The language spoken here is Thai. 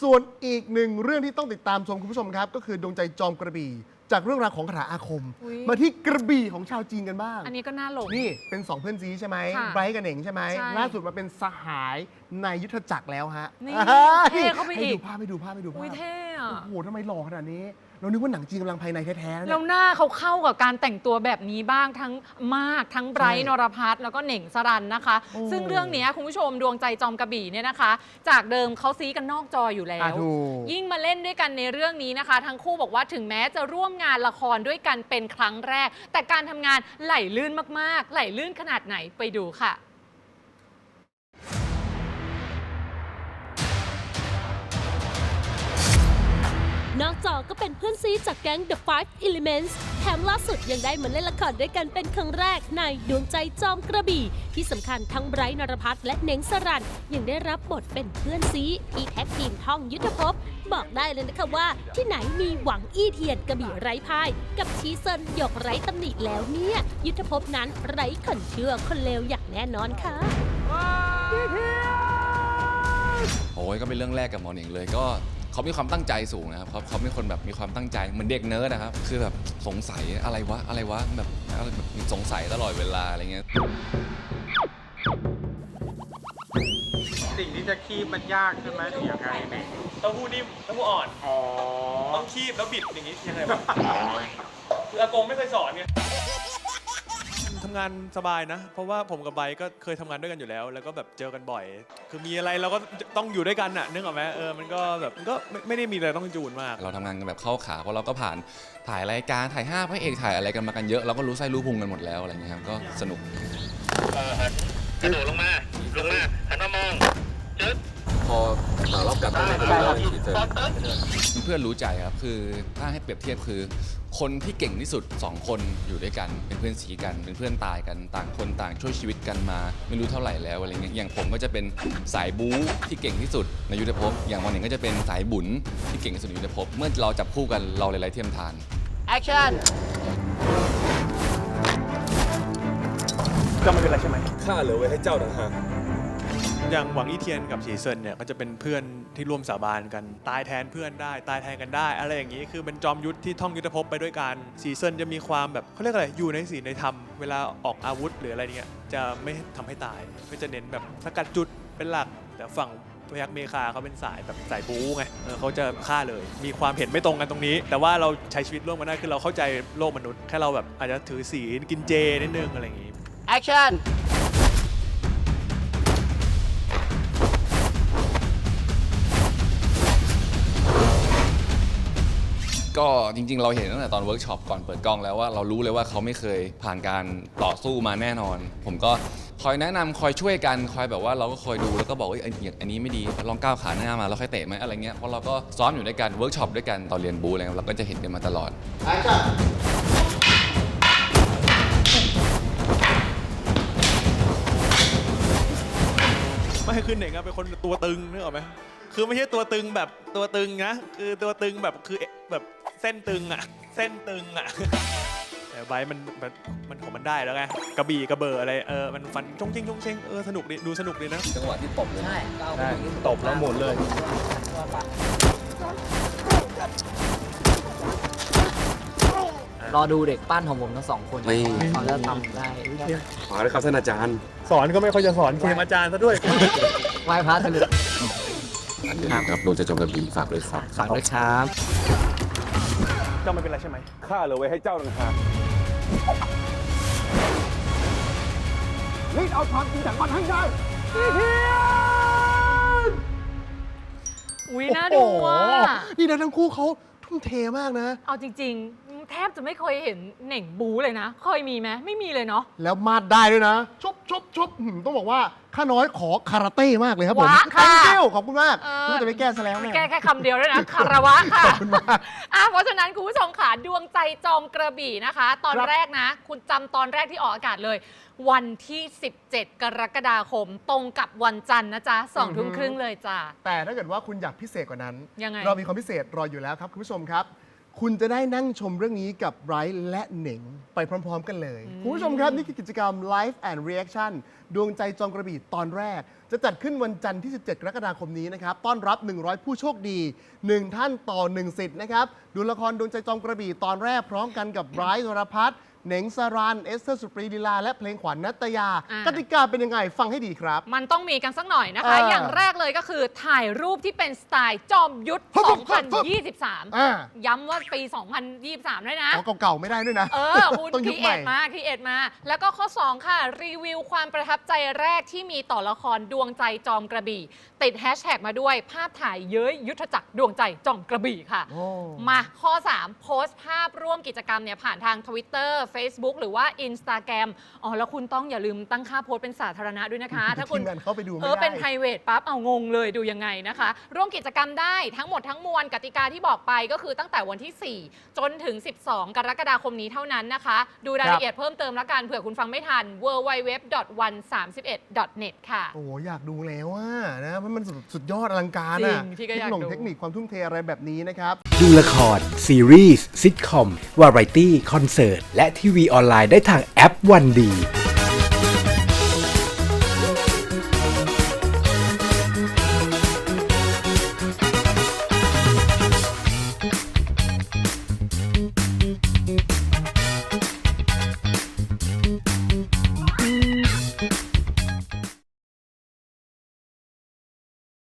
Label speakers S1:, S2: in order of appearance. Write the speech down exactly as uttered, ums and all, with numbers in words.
S1: ส่วนอีกหนึ่งเรื่องที่ต้องติดตามชมคุณผู้ชมครับก็คือดวงใจจอมกระบี่จากเรื่องราวของคาถาอาคมมาที่กระบี่ของชาวจีนกันบ้าง
S2: อันนี้ก็น่าหลง
S1: นี่เป็นสองเพื่อนซีใช่ไหมไบรท์กับเหน่งใช่ไหมล่าสุดมาเป็นสหายในยุทธจักรแล้วฮะ
S2: นี่เท่เข้าไปอีก
S1: ให้ดูภาพให้ดูภาพให้ดูภาพ
S2: เท่อะ
S1: โอ้โหทำไมหล่อขนาดนี้เรานึกว่าหนังจีนกำลังภายในแท้ๆ
S2: แล้วหน้าเขาเข้ากับการแต่งตัวแบบนี้บ้างทั้งมากทั้งไบรท์นรพัฒน์แล้วก็เหน่งสรันนะคะซึ่งเรื่องนี้คุณผู้ชมดวงใจจอมกระบี่เนี่ยนะคะจากเดิมเขาซีกันนอกจออยู่แล้วยิ่งมาเล่นด้วยกันในเรื่องนี้นะคะทั้งคู่บอกว่าถึงแม้จะร่วมงานละครด้วยกันเป็นครั้งแรกแต่การทำงานไหลลื่นมากๆไหลลื่นขนาดไหนไปดูค่ะ
S3: นอกจอก็เป็นเพื่อนซีจากแก๊ง The Five Elements แถมล่าสุดยังได้มาเล่นละครด้วยกันเป็นครั้งแรกในดวงใจจอมกระบี่ที่สำคัญทั้งไบรท์นรพัฒน์และเหน่งสรันยังได้รับบทเป็นเพื่อนซีที่แท็กทีมท่องยุทธภพบอกได้เลยนะคะว่าที่ไหนมีหวังอี้เทียนกระบี่ไร้พ่ายกับชีเซินหยกไร้ตำหนิแล้วเนี่ยยุทธภพนั้นไร้คนเชื่อคนเลวอย่างแน่นอนค่ะ
S4: โอ้ยก็เป็นเรื่องแรกกับหมอเหน่งเลยก็เขามีความตั้งใจสูงนะครับเขาเขาเป็นคนแบบมีความตั้งใจเหมือนเด็กเนิร์ดนะครับคือแบบสงสัยอะไรวะอะไรวะแบบอะไรแบบสงสัยตลอดเวลาอะไรเงี้ย
S5: สิ่งที่จะคีบมันยากใช่ไหมหรือยังไงเนี่ย
S6: เต้าหู้นิ่มเต้าหู้อ่อน
S5: อ๋อ
S6: ต้องคีบแล้วบิดอย่างนี้ยังไงบ้างคืออากงไม่เคยสอนไงทำงานสบายนะเพราะว่าผมกับไบก็เคยทำงานด้วยกันอยู่แล้วแล้วก็แบบเจอกันบ่อยคือมีอะไรเราก็ต้องอยู่ด้วยกันน่ะนึกออกไหมเออมันก็แบบก็ไม่ไม่ได้มีอะไรต้องจูนมาก
S4: เราทำงานกันแบบเข้าขาเพราะเราก็ผ่านถ่ายรายการถ่ายห้าพระเอกถ่ายอะไรกันมากันเยอะเราก็รู้ไส้รู้พุงกันหมดแล้วอะไรเงี้ยครับก็สนุก
S7: กระโดดลงมาลงมาหันมามองจึ๊ด
S4: พอมารอบกลับมาเพื่อนรู้ใจครับคือถ้าให้เปรียบเทียบคือคนที่เก่งที่สุดสองคนอยู่ด้วยกันเป็นเพื่อนสีกันเป็นเพื่อนตายกันต่างคนต่างช่วยชีวิตกันมาไม่รู้เท่าไหร่แล้วอะไรเงี้ยอย่างผมก็จะเป็นสายบู๊ที่เก่งที่สุดในยุทธภพอย่างวันหนึ่งก็จะเป็นสายบุญที่เก่งที่สุดในยุทธภพเมื่อเราจับคู่กันเราเลยไร้เทียมทาน
S2: แอคชั่น
S6: ก็ไม่เป็นไรใช่ไหม
S4: ข้าเหลือไว้ให้เจ้าต่างหาก
S6: อย่างหวังอี้เทียนกับฉีเซินเนี่ยก็จะเป็นเพื่อนที่ร่วมสาบานกันตายแทนเพื่อนได้ตายแทนกันได้อะไรอย่างนี้คือเป็นจอมยุทธที่ท่องยุทธภพไปด้วยกันฉีเซินจะมีความแบบเขาเรียกอะไรอยู่ในศีลในธรรมเวลาออกอาวุธหรืออะไรเงี้ยจะไม่ทำให้ตายก็จะเน้นแบบสกัดจุดเป็นหลักแต่ฝั่งพยัคฆ์เมฆาเขาเป็นสายแบบสายบู๊ไงเขาจะฆ่าเลยมีความเห็นไม่ตรงกันตรงนี้แต่ว่าเราใช้ชีวิตร่วมกันได้คือเราเข้าใจโลกมนุษย์แค่เราแบบอาจจะถือศีลกินเจนิดนึงอะไรอย่างนี้
S2: แอคชั่น
S4: ก็จริงๆเราเห็นตั้งแต่ตอนเวิร์กช็อปก่อนเปิดกล้องแล้วว่าเรารู้เลยว่าเขาไม่เคยผ่านการต่อสู้มาแน่นอนผมก็คอยแนะนำคอยช่วยกันคอยแบบว่าเราก็คอยดูแล้วก็บอกว่าอย่างอันนี้ไม่ดีลองก้าวขาหน้ามาแล้วค่อยเตะไหมอะไรเงี้ยเพราะเราก็ซ้อมอยู่ด้วยกันเวิร์กช็อปด้วยกันตอนเรียนบูอะไรเราก็จะเห็นกันมาตลอด
S6: ไม่คือเหน่งเป็นคนตัวตึงนึกออกไหมคือไม่ใช่ตัวตึงแบบตัวตึงนะคือตัวตึงแบบคือแบบเส้นตึงอ่ะเส้นตึงอ่ะแต่ไบมันมันมันของมันได้แล้วไงกระบี่กระเบออะไรเออมันฟันชงเชงชงเชงเออสนุกดีดูสนุกดีนะ
S4: จังหวะที่ตบเลย
S2: ใช่
S6: ตบแล้วหมุนเลย
S8: รอดูเด็กปั้นของผมทั้งสองคนเขาจะทำได้
S4: ขอเลยครับท่านอาจารย์
S6: สอนก็ไม่ค่อยจะสอนเคมอาจารย์ซะด้วย
S8: ไหว้พระทะเล
S4: ครับดวงใจจอมกระบี่ฝากด้วยครับ
S8: ฝากด้วยครับ
S6: เจ้าไม่เป็นไรใช่ไหม
S4: ข้าเหลือไว้ให้เจ้าต่างหาก
S1: รีบเอาความจริงจากมันให้ได้อีเทียน
S2: อุ้ยน่าดูว่ะ
S1: นี่นะทั้งคู่เขาทุ่มเทมากนะ
S2: เอาจริงๆแทบจะไม่เคยเห็นเหน่งบู๊เลยนะเคยมีไหมไม่มีเลยเนาะ
S1: แล้วมาดได้ด้วยนะชุบชุบชุบต้องบอกว่าข้าน้อยขอคาราเต้มากเลยครับผม
S2: ค่ะ
S1: ขอบคุณมากรู้จะไปแก้ซะแล้ว
S2: แก้แค่คำเดียวด้วยนะคารวะค่ะขอบคุณมากเพราะฉะนั้นคุณผู้ชมค่ะดวงใจจอมกระบี่นะคะตอนแรกนะคุณจำตอนแรกที่ออกอากาศเลยวันที่สิบเจ็ดกรกฎาคมตรงกับวันจันทร์นะจ๊ะสองทุ่มครึ่งเลยจ้ะ
S1: แต่ถ้าเกิดว่าคุณอยากพิเศษกว่านั้น
S2: ยังไง
S1: เรามีความพิเศษรออยู่แล้วครับคุณผู้ชมครับคุณจะได้นั่งชมเรื่องนี้กับไบรท์และเหน่งไปพร้อมๆกันเลย คุณผู้ชมครับ นี่คือกิจกรรม Live and Reaction ดวงใจจอมกระบี่ตอนแรก จะจัดขึ้นวันจันทร์ที่ สิบเจ็ด กรกฎาคมนี้นะครับ ต้อนรับ หนึ่งร้อย ผู้โชคดี หนึ่ง ท่านต่อ หนึ่ง สิทธิ์นะครับ ดูละครดวงใจจอมกระบี่ตอนแรกพร้อมกันกับไบรท์นรพัฒน์เหน่งสรันเอสเตอร์สุปรีลีลาและเพลงขวัญณัตยา
S2: อ่า
S1: กติกาเป็นยังไงฟังให้ดีครับ
S2: มันต้องมีกันสักหน่อยนะคะ
S1: เออ
S2: อ
S1: อย่าง
S2: แรกเลยก็คือถ่ายรูปที่เป็นสไตล์จอมยุทธ
S1: ฮึบ
S2: ส
S1: ฮึ
S2: อบ ง
S1: ฮึ
S2: พัน
S1: บฮึบ
S2: ยี่สิบสาม
S1: อ่า
S2: ย้ำว่าปี สองพันยี่สิบสามด้วยนะ
S1: อ๋อเก่าๆไม่ได้ด้วยนะ
S2: เออ คุณ
S1: ต้อง
S2: ค
S1: ยุ
S2: รี
S1: ค
S2: เอ
S1: ใหม่
S2: ทมาครีเอทมา แล้วก็ข้อ สอง ค่ะ รีวิวความประทับใจแรกที่มีต่อละครดวงใจจอมกระบี่ ติดแฮชแท็กมาด้วยภาพถ่ายเย้ยยุทธจักรดวงใจจอมกระบี่ค่ะ
S1: โอ้
S2: มาข้อ สาม โพสต์ภาพร่วมกิจกรรมเนี่ยผ่านทาง Twitter Facebook หรือว่า Instagram อ๋อ แล้วคุณต้องอย่าลืมตั้งค่าโพสต์เป็นสาธารณะด้วยนะคะ ถ้าคุณ
S1: ทีมงานเข้าไปดูไม่
S2: เออ
S1: ได้
S2: เป็น private ปั๊บ เอางงเลยดูยังไงนะคะ ร่วมกิจกรรมได้ทั้งหมดทั้งมวลกติกาที่บอกไปก็คือตั้งแต่วันที่ สี่ จนถึง สิบสอง กรกฎาคมนี้เท่านั้นนะคะ ดูรายละเอียดเพิ่มเติมแล้วกันเผื่อคุณฟังไม่ทัน ดับเบิลยู ดับเบิลยู ดับเบิลยู ดอท วันสามสิบเอ็ด ดอท เน็ต ค่ะ
S1: โอ้โหอยากดูแล้วว่านะมันมันสุดสุดยอดอลังการ
S2: จริ
S1: อะ
S2: งพี่ก็อยาก
S1: เทคโน
S2: ดู
S1: เทคนิคความทุ่มเทอะไรแบบนี้นะครับ
S9: ดูละคร ซีรีส์ซิทคอม วาไรตี้ คอนเสิร์ต และทีวีออนไลน์ได้ทางแอปวันดี